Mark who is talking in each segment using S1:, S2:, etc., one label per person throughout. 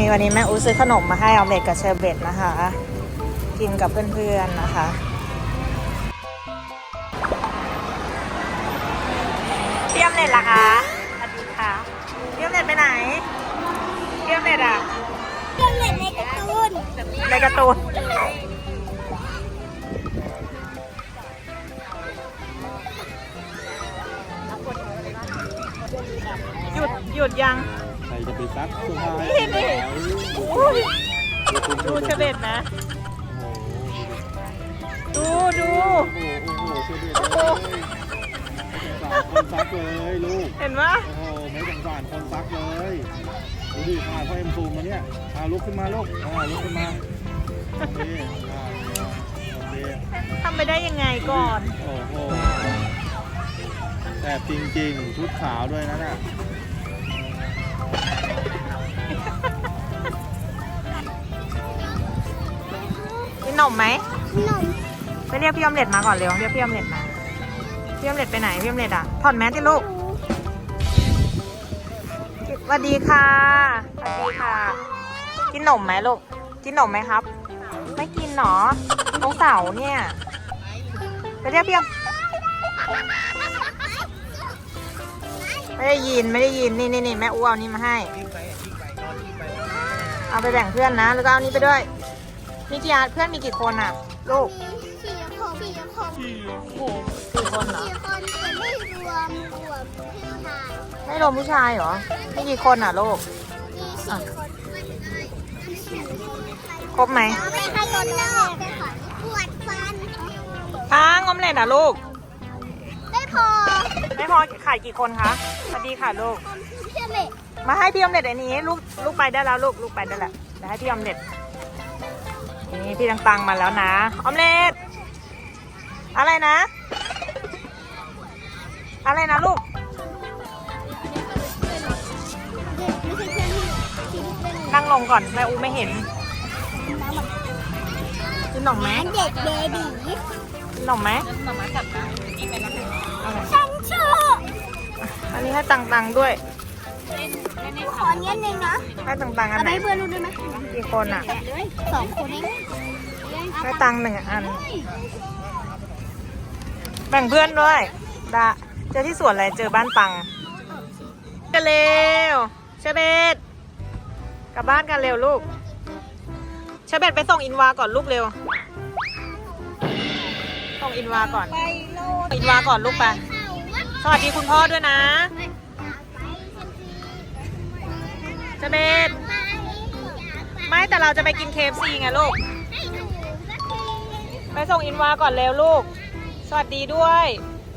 S1: นี่วันนี้แม่อูซื้อขนมมาให้ออมเล็ตกับเชอร์เบตนะคะกินกับเพื่อนๆนะคะพี่ออมเล็ตล่ะคะสวัสดีค่ะพี่ออมเล็ตไปไหนพี่ออมเล็ตอะ
S2: เครื่องเล่นในการ์ตูน
S1: ในการ์ตูนหยุดยัง
S3: ใครจะไปซักเสื้อผ้า
S1: นี่ดูเชเบตนะดู
S3: โอ้โหเชเบตเลยคนซักเลยลูก
S1: เห็นไหม
S3: โอ้โหไม่สงสารคนซักเลยดูดิพาพ่อเอ็มซูมมาเนี่ยลุกขึ้นมาลูกลุกขึ้นมาโอเคโอเค
S1: ทำไปได้ยังไงก่อน
S3: โอ้โหแต่จริงๆชุดขาวด้วยนะเนี่ย
S1: กินนมไหม
S2: นม
S1: ไปเรียกพี่ออมเล็ตมาก่อนเร็วเรียกพี่ออมเล็ตมาพี่ออมเล็ตไปไหนพี่ออมเล็ตอ่ะถอดแมสที่ลูกสวัสดีค่ะสวัสดีค่ะกินนมไหมลูกกินนมไหมครับไม่กินหรอตรงเสาเนี่ยไปเรียกพี่ออมไม่ได้ยินนี่แม่อูเอานี่มาให้เอาไปแบ่งเพื่อนนะแล้วก็เอานี้ไปด้วยมีกี่เพื่อนมีกี่คนอ่ะลูก4 คนเหรอ
S2: ไม่รวมผู้ชาย
S1: ไม่รวมผู้ชายเหรอมีกี่คนอ่ะลูก
S2: มี4 คน
S1: ครบไหม
S2: ไม่ให้โดนแล้วปวดฟัน
S1: งอมเล็ตอ่ะลูก
S2: ไม่พอ
S1: ขายกี่คนคะสวัสดีค่ะลูก
S2: พี่ออมเล็ต
S1: มาให้พี่ออมเล็ตอันนี้ลูกไปได้แล้วลูกไปได้แล้วเดี๋ยวให้พี่ออมเล็ตนี่พี่ตังมาแล้วนะออมเล็ตอะไรนะลูกนั่งลงก่อนแม่อูไม่เห็นกินหนมไหม
S2: เด็กเบบี
S1: กินหนมไหม
S2: ฉันชื่อ
S1: อันนี้ให้ตังด้วย
S2: ขอเงี้ยนึงนะ
S1: ให้ตังอันไหน
S2: ให้เพื่อนรู้ได้ไหม
S1: กี่คนอ่ะ
S2: 2 คนเอง
S1: ให้ตัง1 อันแบ่งเพื่อนด้วยเจอที่สวนอะไรเจอบ้านปังกันเร็วเชเบตกลับบ้านกันเร็วลูกเชเบตไปส่งอินวาก่อนลูกเร็วส่งอินวาก่อนลูกไปสวัสดีคุณพ่อด้วยนะเชเบตไม่แต่เราจะไปกิน KFC ไงลูกไปส่งอินวาก่อนเร็วลูกสวัสดีด้วย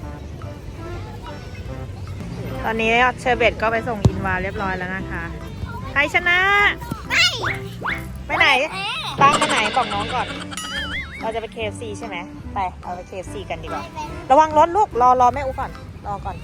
S1: ตอนนี้เชอร์เบตก็ไปส่งอินวาเรียบร้อยแล้วนะคะใครชนะไปไหนตั้งไปไหนบอกน้องก่อนเราจะไป KFC ใช่ไหมไปเราไป KFC กันดีกว่าระวังรถลูกรอแม่อูก่อนรอก่อน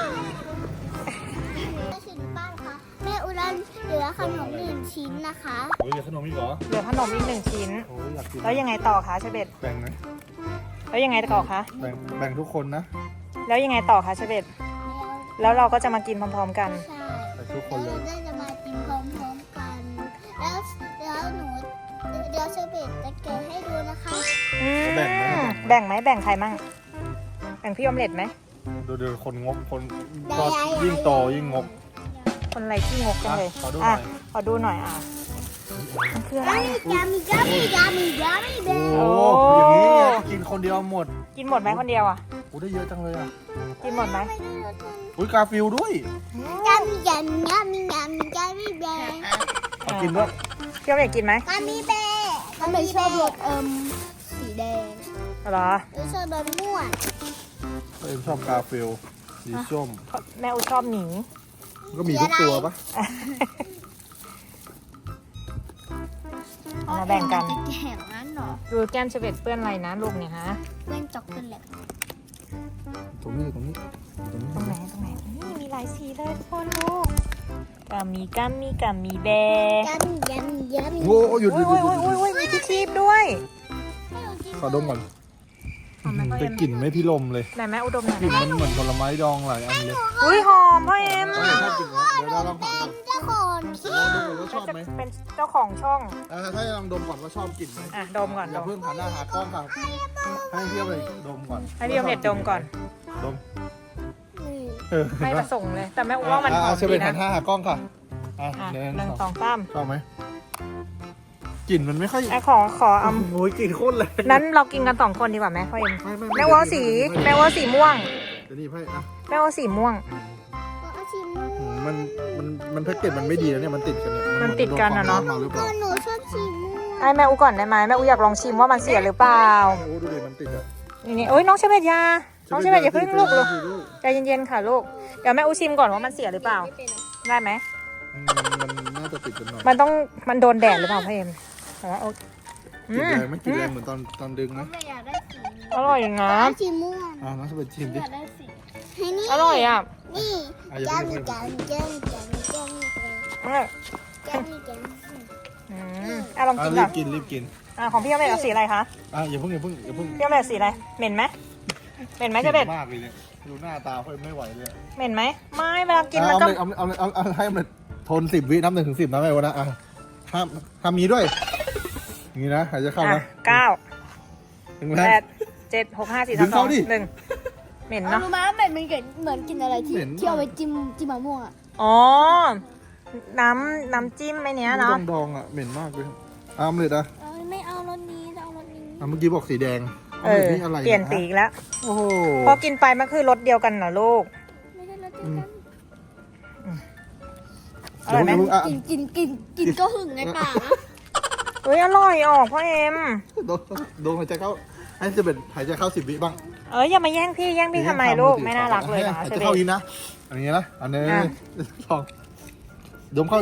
S2: แม่อุรันเหลือขนม1 ชิ้นนะคะ
S3: เหลือขนมอีกเหรอ
S1: เหลือขนมอีก1 ชิ้นแล้วยังไงต่อคะเชอร์เบต
S3: แบ่งนะ
S1: แล้วยังไงต่อคะ
S3: แบ่งทุกคนนะ
S1: แล้วยังไงต่อคะเชอร์เบตแล้วเราก็จะมากินพร้อมๆกัน
S2: ใช่ทุกคนเลยจะมากินพร้อมๆกันแล้วเดี๋ยวเชอร์เบตจะแกะให้ดูนะคะ
S1: แบ่งไหมแบ่งใครมั่งแบ่งพี่ออมเล็ตไหม
S3: ดูคนงกคนก็ยิ่งโตยิ่งงก
S1: คนอะไรที่งกกันเลยขอดูหน่อยคืออะไร
S2: ยามีเบ
S3: โอ้อย่างนี้กินคนเดียวหมด
S1: กินหมดไหมคนเดียวอ่ะ
S3: ได้เยอะจังเลยอ่ะ
S1: กินหมดไหม
S3: กาฟิลด้วย
S2: ยามีเบ
S3: กินด้วย
S1: พี่ออมเล็ตกินไหม
S2: กามีเบก็ไม่ชอบรสสีแดง
S1: เหรอ
S2: ชอบรสม่วง
S3: ชอบกาฟิลสีส้ม
S1: แม่อูชอบหมี
S3: ก็มีทุกตัวปะ
S1: มาแบ่งกัน
S2: แข่งนั้นหรอ
S1: ดูแก้มเชเบตเปื้อนอะไรนะลูกเนี่ยฮะ
S2: เปื้อนจอกเปื้อนแหละ
S3: ตรงไหน
S1: นี่มีหลายสีเลยทุกคนลูกกามีแบ
S3: โอ้หยุด
S1: มีที่ชีพด้วย
S3: ขอดมก่อนแต่กลิ่นไม่พิลมเลย
S1: ไหนแม่อุดมหน่อย
S3: กลิ่นมันเหมือนผลไม้ดองหลายอันเลย
S1: อุ้ยหอมพ่อเอ็ม
S3: ชอบกินเดี๋ยวเราลอง
S2: เป็
S3: ผ่าน
S2: นเจ้าของคลิ
S3: ลอง
S2: ป
S3: ดูก่อนว่าชอบไหม
S1: เป็นเจ้าของช่อง
S3: ถ้าลองดมก่อนว่าชอบกลิ่นไหม
S1: อ่ะดมก่อน
S3: อ
S1: ด
S3: ย่าม เพิ่งหันหน้าหากล้องค่ะให้พี่เอาเลยดมก่อน
S1: ให้พี่ออมเล็ตดมก่อน
S3: ดม
S1: ไม่ประสงค์เลย แต่แม่อูว่ามันหอม
S3: เชอ
S1: ดี
S3: เป็นหั
S1: นะ
S3: นหน้าหากล้องค่ะอ่ะ
S1: อ่ะ
S3: หนึ่
S1: หนึ่
S3: ง
S1: ง
S3: ส
S1: ส
S3: อ
S1: อง งสาม
S3: ชอบไหมกลิ่นมันไม่ค่อย
S1: ไอ้ขอเอา
S3: โอ้ยกลิ่นโคตรแรง
S1: นั้นเรากินกัน2 คนดีกว่าไหมพ่อเอ็ม
S3: ไม่
S1: แม่อูว่าสีแม่อูว่าสีม่วง
S3: เดี๋ยวนี่ให้อ่ะ
S1: แม่อูว่าสีม่วง
S2: เอาชิมม่วง
S3: มันแพ็กเกจมันไม่ดีแล้วเนี่ยมันติดกันเนี่ย
S1: มันติดกันอะเนาะ
S3: โดควมร้มมาหรือเป
S2: ก็
S3: ล่า
S2: หนูชอบชิมม่วง
S1: ให้แม่อูก่อนได้ไหมแม่อูอยากลองชิมว่ามันเสียหรือเปล่า
S3: โอ้ดูดิมันติดอะ
S1: นี่โอ้ยน้องเชเบตยาน้องเชเบตอย่าเพิ่งลูกใจเย็นๆค่ะลูกเดี๋ยวแม่อูชิมก่อนว่ามันเสียหรือเปล่าได้ไหม
S3: มันน่าจะติดกันหน่อย
S1: มันโดนแดดหรือเปล่าพ่อเอ็มแต่ว่าโอเค
S3: กลิ่นแรงไหมกลิ่นแรงเหมือนตอนดึงไหม
S2: ไม่อยากได้สี
S1: อร่อยนะ
S2: ชิมม่วง
S3: น้องจะไปชิมดิ
S2: อยากได้สีให้นี่
S1: อร่อยอ่ะ
S2: นี่
S3: อย่า
S2: จัง
S3: เพิ่ง
S2: จังจังจังจัง
S1: อร่อย
S2: จังจัง
S1: ลองกิน
S3: รี
S1: ก่อบ น
S3: กินรีบกิน
S1: ของพี่ออมเล็ตเอาสีอะไรคะ
S3: อย่าเพิ่ง
S1: พี่ออมเล็ตสีอะไรเหม็นไหมเหม็นไหมเชเบต
S3: มากเลยเนี่ยดูหน้าตาเขาไม่ไหวเลย
S1: เหม็นไหมไม่เวลากินมันก็
S3: เอาให้มันทน10 วินับ1 ถึง 10นะแม่วะนะห้ามมีด้วยอย่างนี้นะหายใจเข้านะ
S1: 9
S3: ถึงแล้ว
S1: 8 7 6 5 4
S3: ดึง
S1: 3
S3: เข้าดิ
S1: 2 1เหม็นเนาะ
S2: รู้ไหมว่าเหมือนกินอะไรที่
S3: เหม็น
S2: ที่เอาไปจิ้มมะม่วงอ่ะ
S1: อ๋อน้ำจิ้มไอ้เนี้ยเนาะ
S3: ดองอ่ะเหม็นมากเลยอ้ามเลยนะ
S2: ไม่เอารสนี้จะเอารสนี้
S3: เมื่อกี้บอกสีแดง นี่อะไร
S1: เปลี่ยนสีอีกแล้ว
S3: โอ้โห
S1: พอกินไปมันคือรสเดียวกันเหรอลูก
S2: ไม่ใช่รสเดียวกัน
S1: อร่อยไหม
S2: กินก็หึงในปากนะ
S1: เฮ้ยอร่อยออกพ่อเอ็ม
S3: โดนหายใจเข้าให้จะเป็นหายใจเข้า10 วิบ้าง
S1: อย่ามาแย่งพี่ทำไมลูกไม่น่ารักเลยนะ
S3: หาย
S1: เช
S3: ใจ
S1: เบ
S3: เข้า
S1: ต
S3: อีกนะอันนี้นะอันนี้ลองดมเข้า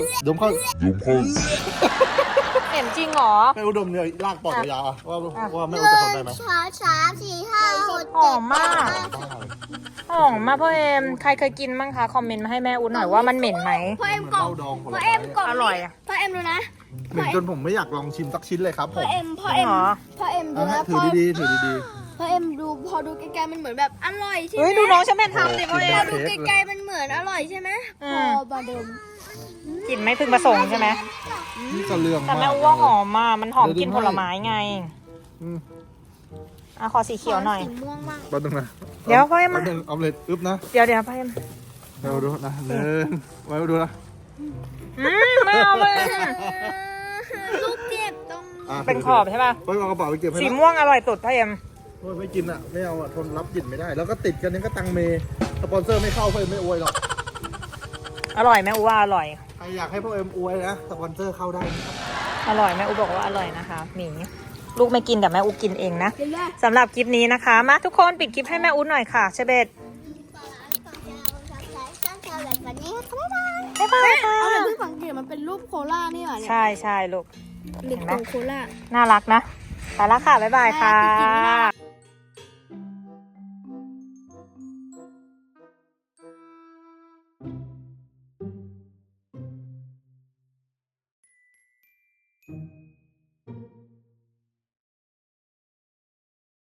S1: เห็นจริงเหรอ
S3: ให้อุดมเนี่ยลากปอดยาวว่าไม่อุดจะทนได้ไหม
S2: ช้า4 5 6
S1: หอมมากหอมมากพ่อเอ็มใครเคยกินบ้างคะคอมเมนต์มาให้แม่อุ้นหน่อยว่ามันเหม็นไหม
S2: พ่อเอ็มกล่อง
S3: ดอง
S2: พ่อเอ็มกล่อง
S1: อร่อยอะ
S2: พ่อเอ็มดูนะ
S3: เหม็นจนผมไม่อยากลองชิมสักชิ้นเลยครับผ
S2: พ่อ
S3: ม
S2: เอ็ม
S1: เหรอ
S2: ดูนะ
S3: ถือดีๆถือดี
S2: พ่อเอ็มดูพอดูไกลๆมันเหมือนแบบอร่อยใช่ไหม
S1: เฮ้ยดูน้องฉันเป็นทำสิพ่อเอ็
S2: พอ
S1: ม
S2: ดูไกลๆมันเหมือนอร่อยใช่ไหม
S1: อื
S2: พ
S1: ม
S2: อมาดม
S1: กลิ่นไม่พึงประสงค์ใช่ไหม
S3: ๆนี่กระเลือง
S1: แต่
S3: มา
S1: แม่
S3: ก
S1: อุ้ว่าหอมมากมันหอมกลินผลไม้ไง
S3: อืม
S1: ขอสีเขียวหน่อย
S2: สีม่วงมาก
S3: แป๊บนึงนะ
S1: เดี๋ยวพ่อเอ็มมา
S3: แป๊บนึงเอาเลยอึ๊บนะ
S1: เดี๋ยวพ่อเอ็ม
S3: เดี๋ยวดูนะไว้ดูนะ
S1: ไม่เอาเลย
S2: ลูกเจ็บตรง
S1: เป็นขอบใช่ป่ะ
S3: ไปเอากระเป๋าไปเก็บให้
S1: สี
S3: ละ
S1: ม่วงอร่อยสุดพ่อเอ็ม
S3: ไม่กินอ่ะไม่เอาอ่ะทนรับกลิ่นไม่ได้ แล้วก็ติดกันยังก็ตังเมสปอนเซอร์ไม่เข้าเพื่อนไม่อวยหรอก
S1: อร่อยแม่อูว่าอร่อย
S3: ใครอยากให้พ่อเอ็มอวยนะสปอนเซอร์เข้าได้นะครับ
S1: อร่อยแม่อูบอกว่าอร่อยนะคะหมีลูกไม่กินแต่แม่อูกินเองนะ
S2: เห็นไหม
S1: สำหรับคลิปนี้นะคะ มาทุกคนปิดคลิปให้แม่อูหน่อยค่ะเชเบต
S2: แบบนี้ค่ะ
S1: บ๊ายบายค่ะ
S2: เอาแต่เพิ่งสังเกตมันเป็นรูปโคล่านี่หว่าเนี่ย
S1: ใช่ลูก
S2: เด็กของโคล่า
S1: น่ารักนะไปแล้วค่ะบ๊ายบายค่ะ
S2: น่ารักจริงๆ